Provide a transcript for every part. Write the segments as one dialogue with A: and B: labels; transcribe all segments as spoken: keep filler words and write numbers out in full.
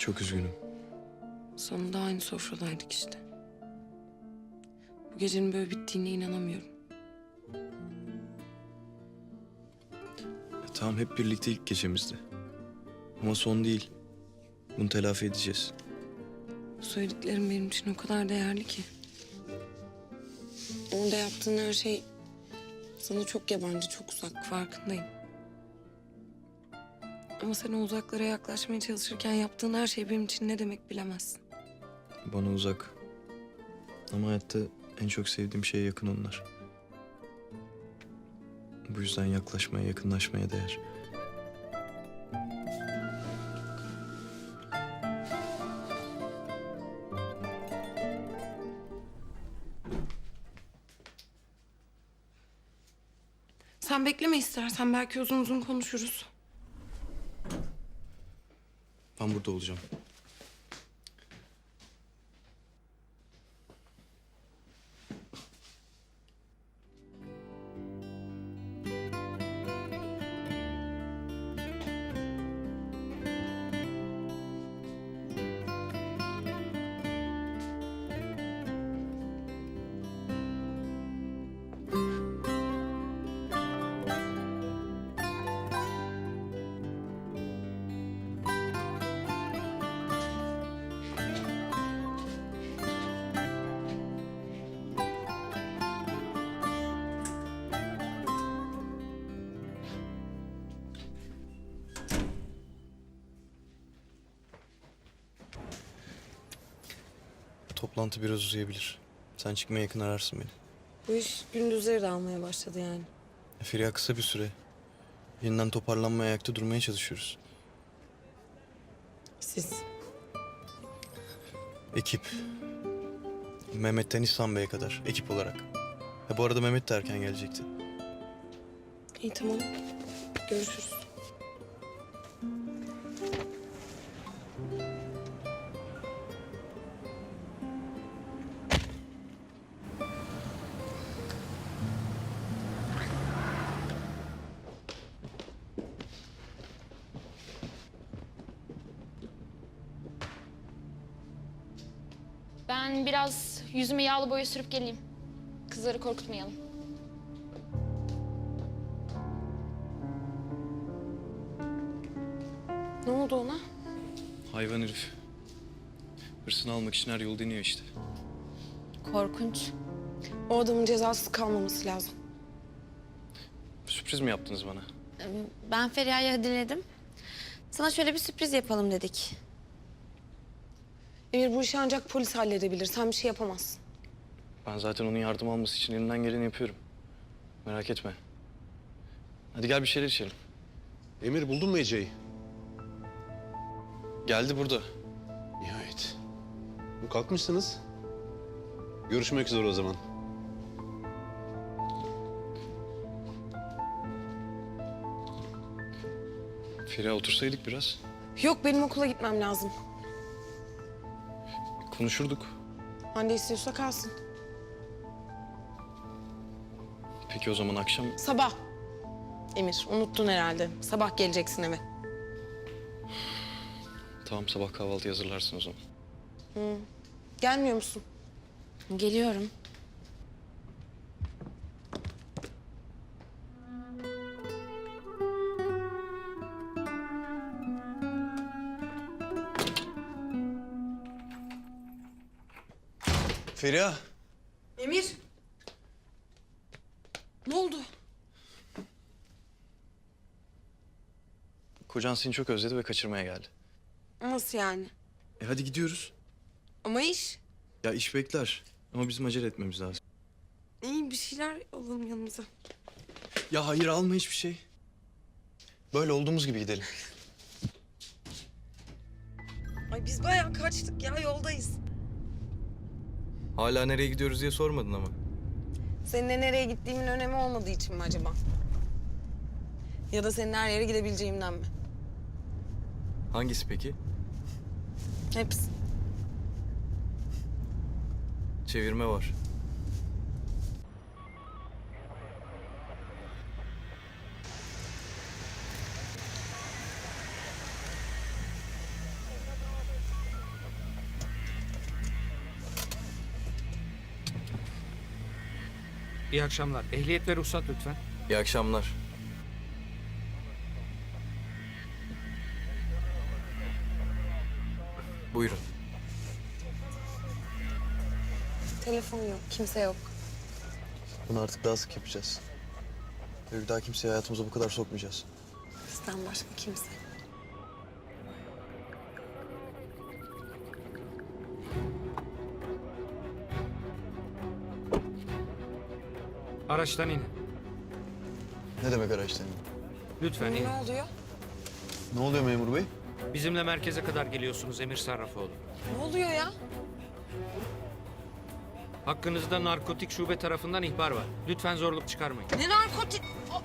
A: Çok üzgünüm.
B: Sonunda aynı sofradaydık işte. Bu gecenin böyle bittiğine inanamıyorum.
A: Ya, tamam hep birlikte ilk gecemizdi. Ama son değil. Bunu telafi edeceğiz.
B: Bu söylediklerim benim için o kadar değerli ki. Orada yaptığın her şey sana çok yabancı, çok uzak, farkındayım. Ama sen o uzaklara yaklaşmaya çalışırken yaptığın her şey benim için ne demek bilemezsin.
A: Bana uzak. Ama hayatta en çok sevdiğim şeye yakın onlar. Bu yüzden yaklaşmaya, yakınlaşmaya değer.
B: Sen bekleme istersen, belki uzun uzun konuşuruz.
A: Ben burada olacağım. Toplantı biraz uzayabilir. Sen çıkmaya yakın ararsın beni.
B: Bu iş gündüzleri de almaya başladı yani.
A: E, Feriha kısa bir süre. Yeniden toparlanmaya, ayakta durmaya çalışıyoruz.
B: Siz.
A: Ekip. Mehmet'ten İhsan Bey'e kadar ekip olarak. Ha, bu arada Mehmet de erken gelecekti.
B: İyi tamam. Görüşürüz.
C: Ben biraz yüzüme yağlı boya sürüp geleyim. Kızları korkutmayalım.
B: Ne oldu ona?
A: Hayvan herif. Hırsını almak için her yolu deniyor işte.
C: Korkunç.
B: O adamın cezasız kalmaması lazım.
A: Sürpriz mi yaptınız bana?
D: Ben Feriha'yı diledim. Sana şöyle bir sürpriz yapalım dedik.
B: Emir, bu işi ancak polis halledebilir. Sen bir şey yapamazsın.
A: Ben zaten onun yardım alması için elimden geleni yapıyorum. Merak etme. Hadi gel bir şeyler içelim.
E: Emir buldun mu Ece'yi?
A: Geldi burada.
E: Nihayet. Kalkmışsınız. Görüşmek üzere o zaman.
A: Feriha otursaydık biraz.
B: Yok, benim okula gitmem lazım.
A: Konuşurduk.
B: Hande istiyorsa kalsın.
A: Peki o zaman akşam...
B: Sabah. Emir, unuttun herhalde. Sabah geleceksin eve.
A: Tamam sabah kahvaltı hazırlarsın o zaman.
B: Gelmiyor musun?
D: Geliyorum.
A: Feriha.
B: Emir. Ne oldu?
A: Kocan seni çok özledi ve kaçırmaya geldi.
B: Nasıl yani?
A: E hadi gidiyoruz.
B: Ama iş.
A: Ya iş bekler. Ama bizim acele etmemiz lazım.
B: İyi, bir şeyler alalım yanımıza.
A: Ya hayır alma hiçbir şey. Böyle olduğumuz gibi gidelim.
B: Ay biz bayağı kaçtık ya, yoldayız.
A: Hala nereye gidiyoruz diye sormadın ama.
B: Seninle nereye gittiğimin önemi olmadığı için mi acaba? Ya da senin her yere gidebileceğimden mi?
A: Hangisi peki?
B: Hepsi.
A: Çevirme var.
F: İyi akşamlar. Ehliyet ve ruhsat lütfen.
A: İyi akşamlar. Buyurun.
B: Telefon yok, kimse yok.
A: Bunu artık daha sık yapacağız. Ve bir daha kimseyi hayatımıza bu kadar sokmayacağız.
B: Bizden başka kimse.
F: Araçtan inin.
A: Ne demek araçtan?
F: Lütfen inin.
B: Ne oluyor?
A: Ne oluyor memur bey?
F: Bizimle merkeze kadar geliyorsunuz Emir Sarrafoğlu.
B: Ne oluyor ya?
F: Hakkınızda narkotik şube tarafından ihbar var. Lütfen zorluk çıkarmayın.
B: Ne narkotik?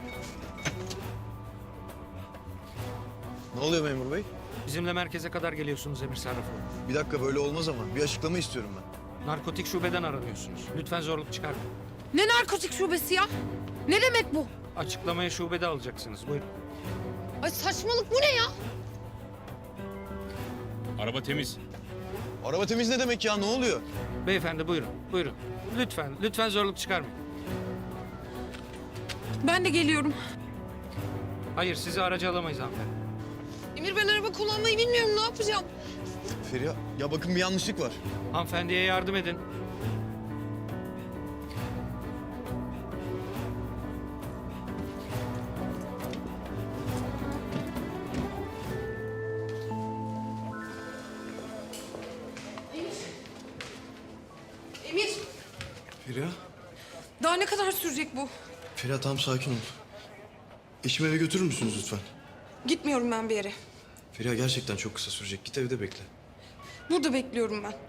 A: Ne oluyor memur bey?
F: Bizimle merkeze kadar geliyorsunuz Emir Sarrafoğlu.
A: Bir dakika böyle olmaz ama. Bir açıklama istiyorum ben.
F: Narkotik şubeden aranıyorsunuz. Lütfen zorluk çıkarmayın.
B: Ne narkotik şubesi ya? Ne demek bu?
F: Açıklamayı şubede alacaksınız. Buyurun.
B: Ay saçmalık bu ne ya?
G: Araba temiz.
A: Araba temiz ne demek ya? Ne oluyor?
F: Beyefendi buyurun. Buyurun. Lütfen, lütfen zorluk çıkarmayın.
B: Ben de geliyorum.
F: Hayır, sizi araca alamayız hanımefendi.
B: Emir ben araba kullanmayı bilmiyorum. Ne yapacağım?
A: Feriha, ya bakın bir yanlışlık var.
F: Hanımefendiye yardım edin.
B: Emir,
A: Feriha?
B: daha ne kadar sürecek bu?
A: Feriha tam sakin ol. Eşimi eve götürür müsünüz lütfen?
B: Gitmiyorum ben bir yere.
A: Feriha gerçekten çok kısa sürecek. Git evde bekle.
B: Burada bekliyorum ben.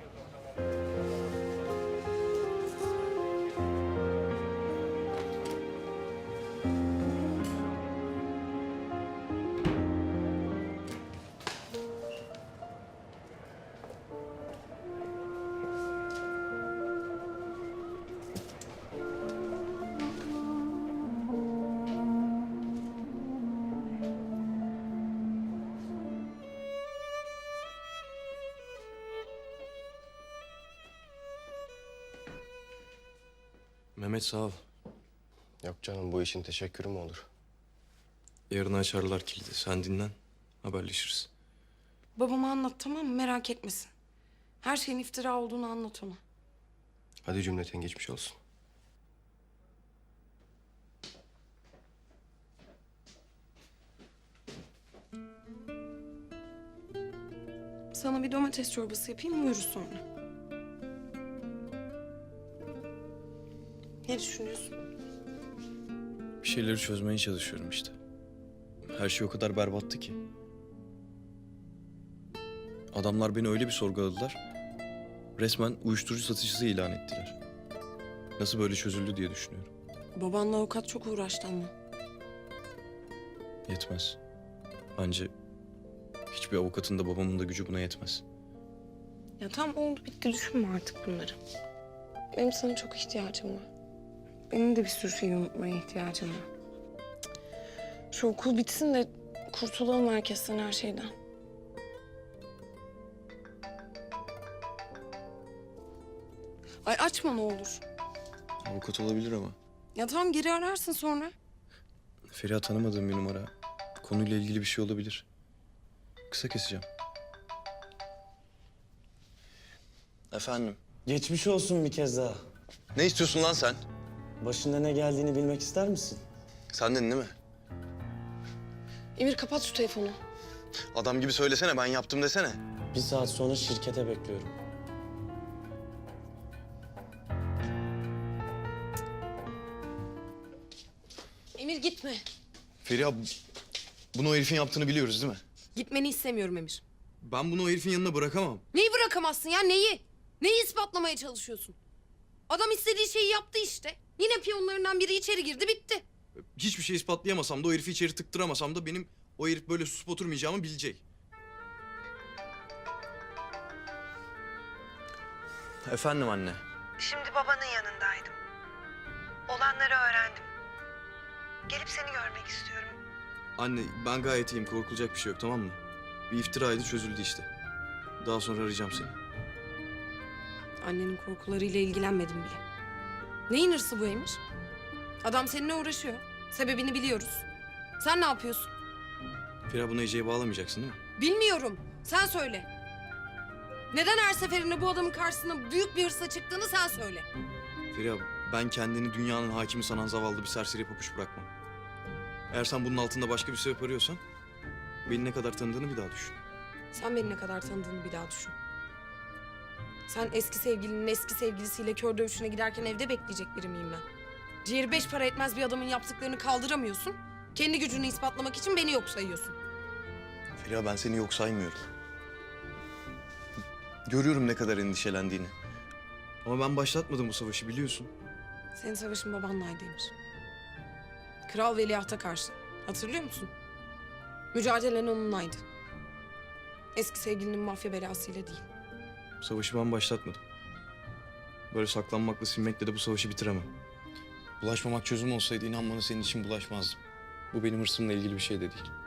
A: Mehmet sağ ol.
H: Yok canım, bu işin teşekkürü mü olur?
A: Yarın açarlar kilidi. Sen dinlen. Haberleşiriz.
B: Babama anlat tamam mı? Merak etmesin. Her şeyin iftira olduğunu anlat ona.
H: Hadi cümleten geçmiş olsun.
B: Sana bir domates çorbası yapayım uyuruz sonra. Ne düşünüyorsun?
A: Bir şeyleri çözmeye çalışıyorum işte. Her şey o kadar berbattı ki. Adamlar beni öyle bir sorguladılar. Resmen uyuşturucu satıcısı ilan ettiler. Nasıl böyle çözüldü diye düşünüyorum.
B: Babanla avukat çok uğraştı ama.
A: Yetmez. Bence hiçbir avukatın da babamın da gücü buna yetmez.
B: Ya tam oldu bitti düşünme artık bunları. Benim sana çok ihtiyacım var. Benim de bir sürü şeyi unutmaya ihtiyacım var. Şu okul bitsin de kurtulalım herkesten, her şeyden. Ay açma ne olur.
A: Avukat olabilir ama.
B: Ya tamam geri ararsın sonra.
A: Feriha tanımadığım bir numara. Konuyla ilgili bir şey olabilir. Kısa keseceğim. Efendim?
I: Geçmiş olsun bir kez daha.
A: Ne istiyorsun lan sen?
I: Başında ne geldiğini bilmek ister misin?
A: Sendin değil mi?
B: Emir kapat şu telefonu.
A: Adam gibi söylesene, ben yaptım desene.
I: Bir saat sonra şirkete bekliyorum.
B: Emir gitme.
A: Feriha, bunu o herifin yaptığını biliyoruz değil mi?
B: Gitmeni istemiyorum Emir.
A: Ben bunu o herifin yanına bırakamam.
B: Neyi bırakamazsın ya neyi? Neyi ispatlamaya çalışıyorsun? Adam istediği şeyi yaptı işte. Yine piyonlarından biri içeri girdi bitti.
A: Hiçbir şey ispatlayamasam da, o herifi içeri tıktıramasam da benim o herif böyle susup oturmayacağımı bilecek. Efendim anne.
J: Şimdi babanın yanındaydım. Olanları öğrendim. Gelip seni görmek istiyorum.
A: Anne ben gayet iyiyim, korkulacak bir şey yok, tamam mı? Bir iftiraydı, çözüldü işte. Daha sonra arayacağım seni.
B: Annenin korkularıyla ilgilenmedim bile. Neyin hırsı bu Emir? Adam seninle uğraşıyor. Sebebini biliyoruz. Sen ne yapıyorsun?
A: Feriha, bunu Ece'ye bağlamayacaksın değil mi?
B: Bilmiyorum. Sen söyle. Neden her seferinde bu adamın karşısına büyük bir hırsla çıktığını sen söyle.
A: Feriha, ben kendini dünyanın hakimi sanan zavallı bir serseri papuç bırakmam. Eğer sen bunun altında başka bir sebep arıyorsan... ...beni ne kadar tanıdığını bir daha düşün.
B: Sen beni ne kadar tanıdığını bir daha düşün. Sen eski sevgilinin eski sevgilisiyle kör dövüşüne giderken evde bekleyecek biri miyim ben? Ciğeri beş para etmez bir adamın yaptıklarını kaldıramıyorsun. Kendi gücünü ispatlamak için beni yok sayıyorsun.
A: Feriha, ben seni yok saymıyorum. Görüyorum ne kadar endişelendiğini. Ama ben başlatmadım bu savaşı, biliyorsun.
B: Senin savaşın babanlaydı Emir. Kral Veliaht'a karşı. Hatırlıyor musun? Mücadelen onunlaydı. Eski sevgilinin mafya belasıyla değil.
A: Savaşı ben başlatmadım. Böyle saklanmakla, silmekle de bu savaşı bitiremem. Bulaşmamak çözüm olsaydı inan bana senin için bulaşmazdım. Bu benim hırsımla ilgili bir şey de değil.